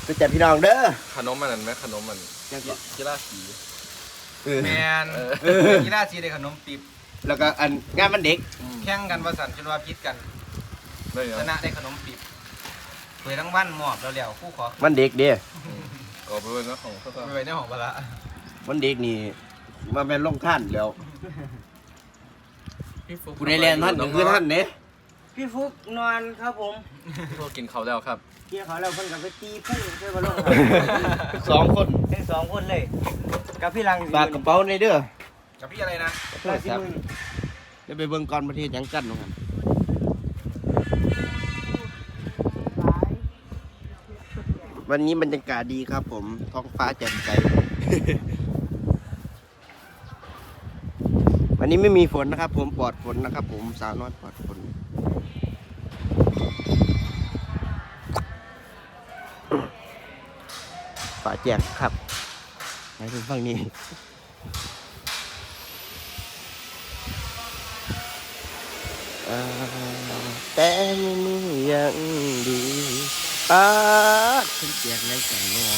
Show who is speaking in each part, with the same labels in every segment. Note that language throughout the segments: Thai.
Speaker 1: ก็จัดพี่น้องเด้อ
Speaker 2: ขนมมันนั่นไหมขนมมันกีฬาสี
Speaker 3: แมนกีฬาสีได้ขนมติบ
Speaker 1: แล้วก็อันงานมันเด็ก
Speaker 3: แข่งกันประสันจนว่าพิษกันชนะได้ขนมติบเผยทั้งวันหมอบแล้วคู่ขอ
Speaker 1: มันเด็กเด้
Speaker 2: ก็ไปเป็นเจ้าของ
Speaker 3: ไปเป็นเจ้าของบละ
Speaker 1: มันเด็กนี่มาเป็นลงท่านแล้วผู้ใดเรียนท่านคือท่านเนี่ย
Speaker 4: พี่ฟุกนอนครับผม
Speaker 2: พี่ฟุกกินเขาแล้วครับ
Speaker 4: กินเขาแล้วเพิ่นกับไปตีพุ่งเพื่อมาลง
Speaker 1: 2 คน
Speaker 4: ทั้ง2 คนเลยกับพี่ลัง
Speaker 1: ฝากกระเป๋าในเด้อ
Speaker 3: กับพี่อะไรนะ
Speaker 1: เดี๋ยวไปเบิ่งก่อนประเทศยังกันนะครับวันนี้บรรยากาศดีครับผมท้องฟ้าแจ่มใสวันนี้ไม่มีฝนนะครับผมปลอดฝนนะครับผมสาวน้อยปลอดฝนฟ้าแจ่มครับไปถึงฝั่งนี้แต่ไม่มีอย่างดีฉันเจียกในใจโน่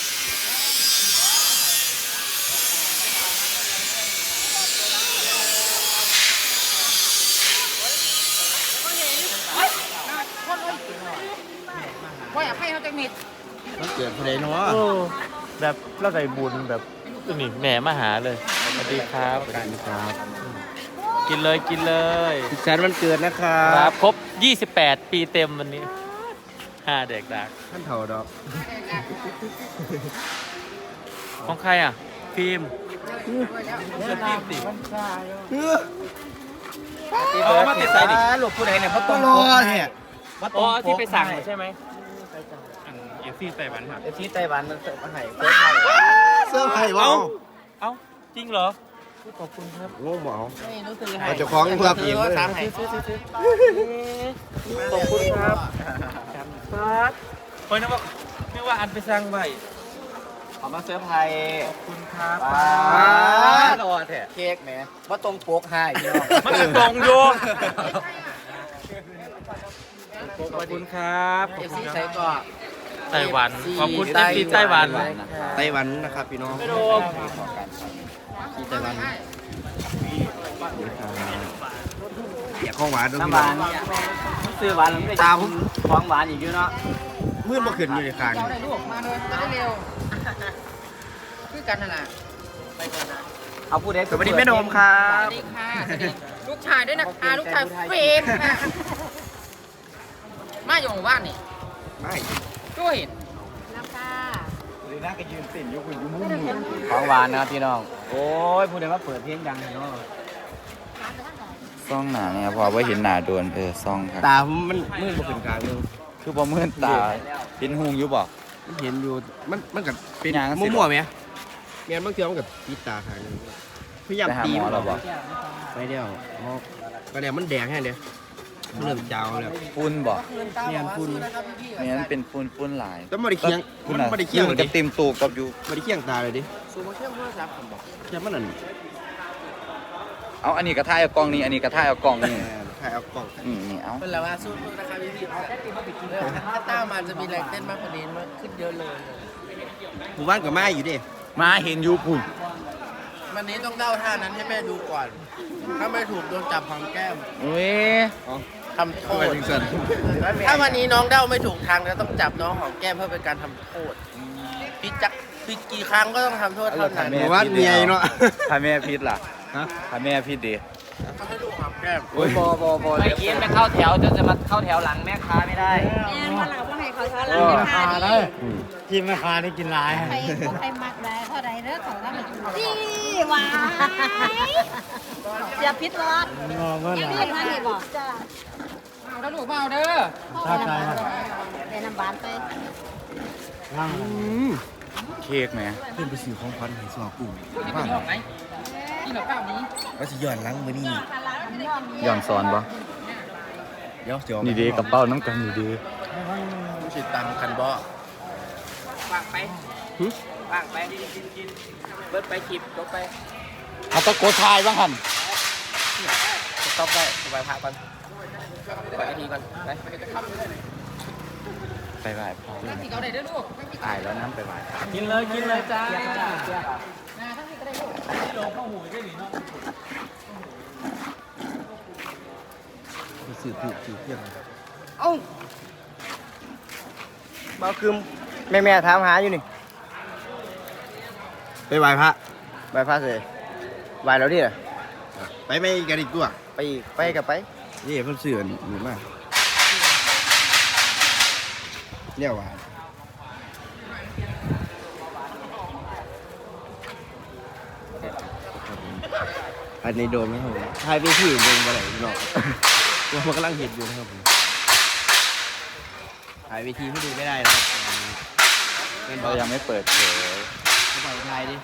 Speaker 4: ว่าอยากให้เขาจะมิด
Speaker 1: มันเกิดอะไรเนาะ
Speaker 5: แบบเราได้บุญแบบนี่แหม่มาหาเลยสวัสดีครับสวัสดีครับกินเลยกินเลย
Speaker 1: สุขสันต์วันเกิดนะครับ
Speaker 5: ครับครบ28 ปีเต็มวันนี้5เด็กดัก
Speaker 1: ท่านเถ่าดอก
Speaker 5: ของใครอ่ะฟิล์ม
Speaker 3: เกิดฟิล์มสิ
Speaker 4: มาติดสายดิหลบผู้ใดเนี่ยเพราะต้องรอ
Speaker 1: เนี่ย
Speaker 5: อ๋อที่ไปสั่งใช่ไหมFC ไต้หวันครับ
Speaker 4: FC ไต้หวันมันเสิร์ฟมาให้
Speaker 1: เสื้อไผ่ว้า
Speaker 5: เอ้าจริงเหรอขอบคุณครับ
Speaker 1: โง่เหมา
Speaker 4: รู้สึกให้
Speaker 1: เราจะคล้องเพื่อปีนเลย
Speaker 5: ขอบคุณครับครับเฮ้ยนึกว่าอันไปสั่งไว้
Speaker 4: เอามาเสิร์ฟไทย
Speaker 5: ขอบคุณครับ
Speaker 4: รอแท้เค้กแหมว่าตรงปกให้
Speaker 5: มันตรงอยู่ขอบคุณครับ
Speaker 4: FC ใช้ก็
Speaker 5: ไต้หวันขอบคุณที่ไต้หวัน
Speaker 1: นะครับพี่น้องที่ไต้หวันอยากของหวานด้วย
Speaker 4: น้ำหวานซื้อหวานไม่ได้ของหวานอีกเยอะเนาะ
Speaker 1: มืดมาขึ้นอยู่ในคาง
Speaker 4: เราได้ลูกมาเลยได้เร็วคือกันนั่นแหละไปก่อนนะเอาพูดได้
Speaker 1: สวัสดีแม่นมครับ
Speaker 4: สวัสดีค่ะสวัสดีลูกชายด้วยนะคะลูกชายเฟรมมาอยู่หมู่บ้านนี่
Speaker 1: ไม่
Speaker 4: ช่วยน้ำค่ะหรือน่าก็ยืนติ่นยกมือมุ่งของหวานนะครับพี่น้องโอ้ยพูดได้ว่าเปิดเพลงดังเลยเนาะ
Speaker 2: ซ่องหนาเนี่ยพอว่าเห็นหนาโดนซ่องครับ
Speaker 1: ตามันมืดมาขึ้นกลางนึง
Speaker 2: คือพอมืดตาเห็นหงอยู่บ่
Speaker 1: เห็นอยู่มันกับเป็นมั่วๆไหมเมียนบางทีมันกับปิดตาทางนึงพยายามตีมันหรอบ่ไปเดียวก็เดี๋ยวมันแดงแค่เดียวเริ่มจาวแล้ว
Speaker 2: ฝุ่นบ่
Speaker 1: เมียนฝุ่น
Speaker 2: เมียนเป็นฝุ่นหลาย
Speaker 1: แล้วไม่ได้เคียงมันไม่ได้เคียง
Speaker 2: จะเต็มตูกับอยู่
Speaker 1: ไม่ได้เคียงตาเลยดิ
Speaker 4: ซูมาเชื่อมโทรศัพท์ผมบอก
Speaker 1: แค่มันนั่น
Speaker 2: เอาอันนี้กระทายเอากล่องนี้อันนี้กระทายเอากล่องนี้
Speaker 1: ถ่ายเอากล่อง
Speaker 2: นี่เอา
Speaker 4: เป็นแล้วว่าสู้นะครับพี่ถ้าต้ามันจะมีแรงเต้นมากกว่านี้มากขึ้นเยอะเลย
Speaker 1: หมู่บ้านกับแม่อยู่ดิ
Speaker 2: มาเห็นยูปุ่น
Speaker 4: วันนี้ต้องเด้าท่านั้นให้แม่ดูก่อนถ้าไม่ถูกโดนจับหางแก้ม
Speaker 2: เว้ย
Speaker 4: ทำโทษถ้าวันนี้น้องเด้าไม่ถูกทางแล้วต้องจับน้องหอมแก้มเพื่อเป็นการทำโทษผิดกี่ครั้งก็ต้องทำโทษเท่านั้น
Speaker 1: หมู่บ้านเมียเนาะ
Speaker 2: ถ้าแม่ผิดล่ะถ้าแม่ผิดดี
Speaker 4: เขาให้ลูกหอมแก้ม
Speaker 2: โอ้ยบอ
Speaker 4: ไม่กินไปเข้าแถวจะมาเข้าแถวหลังแม่ค้าไม่ได้
Speaker 6: แม่มาหลังว่าให้เขาช้อนหลังแม่ค้าดิ
Speaker 5: กินแม่ค้าได้กินหลาย
Speaker 6: ใครมักได้เท่าไรเด้อของเราจี้หวานอย่าพิษร้อนยังไม่ทันได้บอกจ้า
Speaker 4: เอาแล้วลูกเปล่าเด้อ
Speaker 6: ใช่เป็นน้ำหวานไป
Speaker 2: เค้กไหม
Speaker 1: เพื่อนไปซื้อของขวัญให้สวกุ้ง
Speaker 4: บ้างไหมที่เราเปล่านี้
Speaker 1: ว่าจะย้อนหลังมือนี่
Speaker 2: ย้อนสอนปะ
Speaker 1: เดี๋ยว
Speaker 2: นี่ดีกับเป้าน้ำกันนี่ดี
Speaker 1: ไม่ใช่ตังคันบ่
Speaker 4: วางไปวางไปกินเบิร์ดไปคลิปจบไป
Speaker 2: เอาตะโกนทายบ้างหัน
Speaker 4: จบไปสบายพักก่อนไปทีก่อนไป
Speaker 2: ไปไหว้พ่อตายแล้วน้ำไปไหว้
Speaker 5: กินเลยจ้า
Speaker 1: สื่อถูกสื่อเที่ยง
Speaker 7: เอ้าเบาคืมแม่ถามหาอยู่นี่
Speaker 1: ไปไหว้พระ
Speaker 7: ใบพัดเลยใบแล้วดิน่ะ
Speaker 1: ไปไม่กันอีกตัว
Speaker 7: ไปอีกไปกับไป
Speaker 1: นี่เพิ่นเสื่อหรือมากเนี่ยว่าอันนี้โดนไหมครับผมถ่ายไปที่เดินไปไหนเนาะว่ามันกำลังเห็นอยู่นะครับผมถ่ายเวทีให้ดูไม่ได้นะครับเป็น
Speaker 2: เรายังไม่เปิดเผย
Speaker 1: เขาปล่อยถ่ายดิ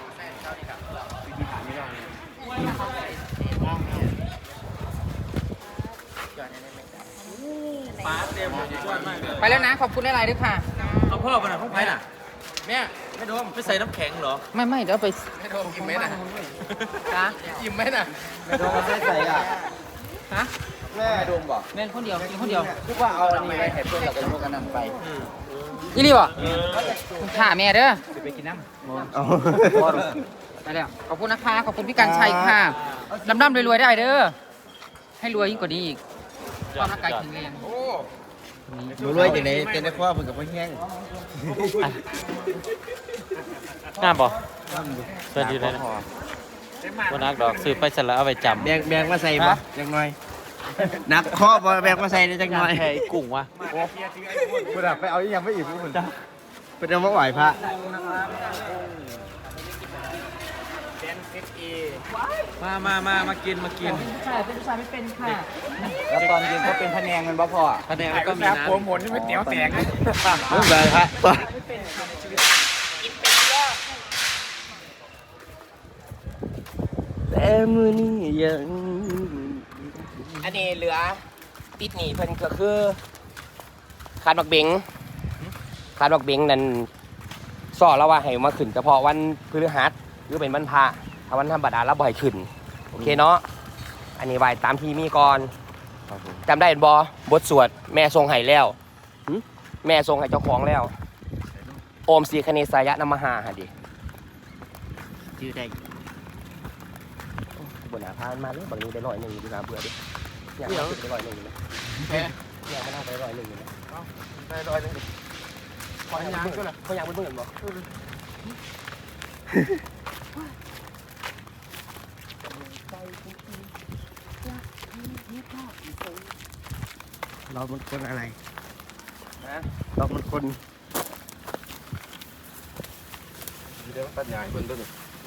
Speaker 8: ไปแล้วนะ ขอบคุณหลายๆด้วยค่ะ
Speaker 5: เอาพ่อไปหน่อยพ่อไปน่ะแม่ไม่โดมไม่ใส่น้ำแข็งเหรอ
Speaker 8: ไม่เดี๋ยวไป
Speaker 4: ไม่โดนอิ่มไหมน่ะ
Speaker 8: จ้า
Speaker 4: อิ่มไหมน่ะ
Speaker 1: ไม่ต้องมาใส่อ่ะ
Speaker 8: ฮะ
Speaker 1: แม่ดมบอก
Speaker 8: แม่นคนเดียวกินคนเดียว
Speaker 1: คิดว่าเอาอันนี้ไปให้เพื่อนเราไปพวกกันนั่นไป
Speaker 8: อีหลีบ่ค่ะแม่เด้อ
Speaker 1: เอา
Speaker 8: ไปแล้วขอบคุณนะคะ ขอบคุณพี่กันชัยค่ะร่ำๆรวยๆได้เด้อ ให้รวยยิ่งกว่านี้อีกความร่างกายแข็งแรง
Speaker 1: ดูรวยอย่างไรเต้นได้ข้อเพิ่งกับพ่อแห้ง
Speaker 5: งามป่ะสวัสดีเลยนะวันนักดอกซื้อไปเสร็จแล้วเอาไปจำ
Speaker 1: แบงมาใส่ปะจังหน่อยนักข้อบ่แบงมาใส่ได้จังหน่อย
Speaker 5: แค่กุ้งวะ
Speaker 1: คุณไปเอายังไม่อิ่มคุณเป็นเอามาไหวพระ
Speaker 5: มากิน
Speaker 8: ค่ะเป็นผู้ชายไม่เป็นค่ะ
Speaker 2: แล้วตอนเย็นก็เป็นพะแนงมันบ่พอ
Speaker 5: คะแนนก็มีน้ำ
Speaker 1: ไม่ไหวพระแต่มือนี้ยัง
Speaker 4: อันนี้เหลือติดหนีเพิ่นก็คือขาดบักเบงนั่นสอแล้วว่าให้มาขึ้นเฉพาะวันพฤหัสหรือเป็นวันพระถ้าวันธรรมดาเราบ่ให้ขึ้นโอเคเนาะอันนี้ไหวตามที่มีก่อนจำได้บ่บทสวดแม่ทรงให้แล้วแม่ทรงให้เจ้าของแล้วโอมสีคเนสายะนมหาหะดิชื่อได้บนหาพานมาเลยบางนี้ได้100ดีกว่าเบื่อดิอยากมาขึ้นไป100นะอยากมานั่งไป100นะไป100เขาอยากไปเบิ่งบ่เรามันคนอะไรเรามันคนเดี๋ยวปัญญาคนต้น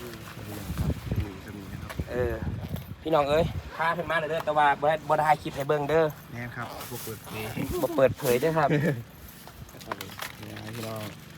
Speaker 4: พี่น้องเอ้ยพาเพิ่นมาเลยเด้อแต่ว่าบ่ได้คลิปให้เบิ่งเด้อ
Speaker 1: แน่ครับพวกเปิดเพลง
Speaker 4: บ่เปิดเผยเด้อครับ
Speaker 1: พี่น้อง